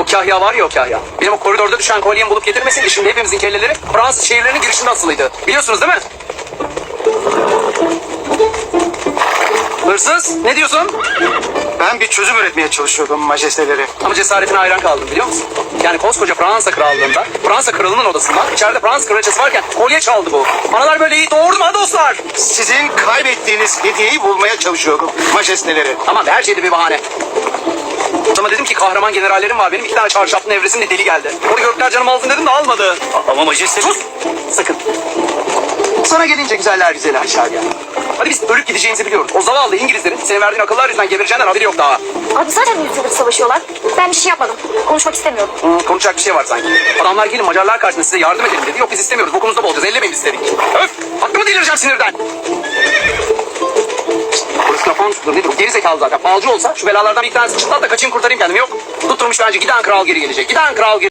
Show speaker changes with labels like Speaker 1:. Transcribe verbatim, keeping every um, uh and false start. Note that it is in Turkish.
Speaker 1: Kahya var ya, o Kahya. Benim o koridorda düşen kolyemi bulup getirmeseydi şimdi hepimizin kelleleri Fransız şehirlerinin girişinde asılıydı. Biliyorsunuz değil mi? Hırsız, ne diyorsun?
Speaker 2: Ben bir çözüm üretmeye çalışıyordum majesteleri.
Speaker 1: Ama cesaretine hayran kaldım, biliyor musun? Yani koskoca Fransa krallığında, Fransa kralının odasında içeride Fransız kraliçesi varken kolye çaldı bu. Analar böyle iyi doğurdu mu ha dostlar?
Speaker 2: Sizin kaybettiğiniz hediyeyi bulmaya çalışıyordum majesteleri.
Speaker 1: Aman her şeyde bir bahane. Ama dedim ki kahraman generallerim var benim, iki tane çarşaflı nevresimle deli geldi. Onu gökler canım alsın dedim de almadı.
Speaker 2: Ama majesteleri...
Speaker 1: Sus! Sakın. Sana gelince güzeller güzeli Aşağıya. Hadi biz ölüp gideceğimizi biliyoruz. O zavallı İngilizlerin senin verdiğin akıllar yüzünden gebereceğinden haberi yok daha.
Speaker 3: Abi zaten bir yıldır savaşıyorlar. Ben bir şey yapmadım. Konuşmak istemiyorum.
Speaker 1: Hmm, konuşacak bir şey var sanki. Adamlar gelin Macarlar karşısında size yardım edelim dedi. Yok biz istemiyoruz. Bokunuzda bolacağız. Ellemeyin biz istedik. Öf! Hakkımı delireceğim sinirden. Polis kafan tutur nedir? Geri zekalı zaten. Balcı olsa şu belalardan bir tanesi çıtlat da kaçayım kurtarayım kendimi. Yok. Tutturmuş bence giden kral geri gelecek. Giden kral geri